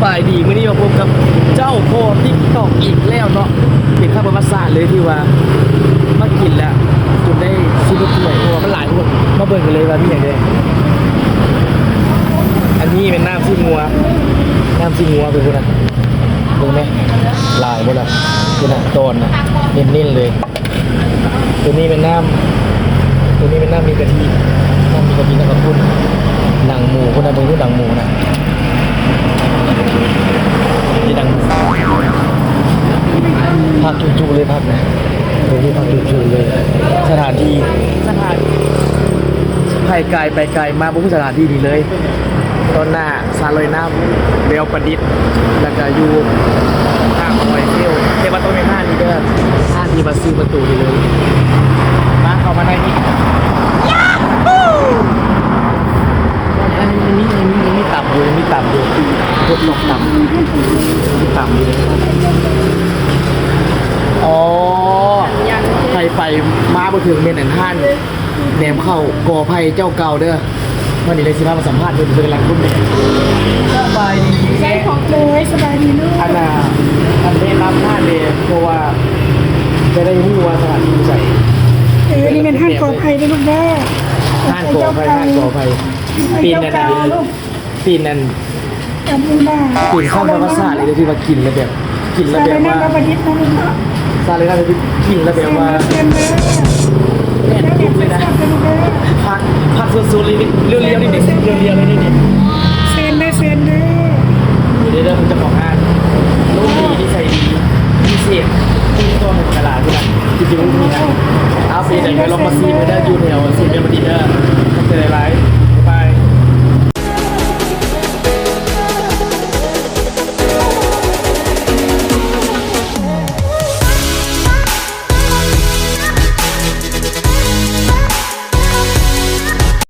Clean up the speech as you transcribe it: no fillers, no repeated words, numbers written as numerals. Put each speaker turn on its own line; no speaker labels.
บายดีมื้อนี้มาพบกับเจ้าโพติ๊กตอกอีกแล้วเนาะเป็นข้าวประวัติศาสตร์เลยที่ว่ามากินแล้วจนได้ซื้อรถถ้วยเพราะว่ามันหลายคนมาเบิ่งกันเลยว่ามีอย่างไรอันนี้เป็นน้ำซีงัวเป็นคนนั้นดูไหมลายหมดละคือน่ะตอนนะเน้นๆเลยตัวนี้เป็นน้ำมีกะทินะครับคุณหนังหมูคนนั้นเป็นผู้หนังหมูนะนี่ดังพักจุๆเลยพักนะตรงนี้พักจุๆเลยสถานไปไกลมาบุกสถานที่นี้เลยตอนหน้าซาลอยน้ำเบลประดิษฐ์แล้วก็อยู่ห้างคอยเที่ยวเทวะต้นในห้างนี้เด้อห้างที่มาซื้อประตูนี่เลยมาเข้ามาในนี้อันนี้มีต่ำอยู่รถลงต่ำอยู่อ๋อไปมาบ่ถึงเมนแอนท่านแหนมเข้ากอไผ่เจ้าเก่าเด้อวันนี้เลยสิมาสัมภาษณ์เป็นหลังรุ่นเนี่ยสบายดี
ใช่ของเลยสบายดีลูก
อันนี้รับท่านเลยเพราะว่าจะได้รู้ว่าสถานที่ใส่
นี่เป็นท่านกอไผ่ด้วยลูกแม่
ท่านกอไผ่ปีนนั่นปีนนั่น
จำไม่ได้
ปีนข้าวภาษาเลยที่ว่ากินแล้วแบบว่า
ประดิษฐ์นะลูก
ซาเลยนะที่กินแล้วแบบว่า
เรียนเลย
แน่นทุกเลยนะพักสุดๆเลยนี่เรียวๆนี่เรียวๆเลยนี่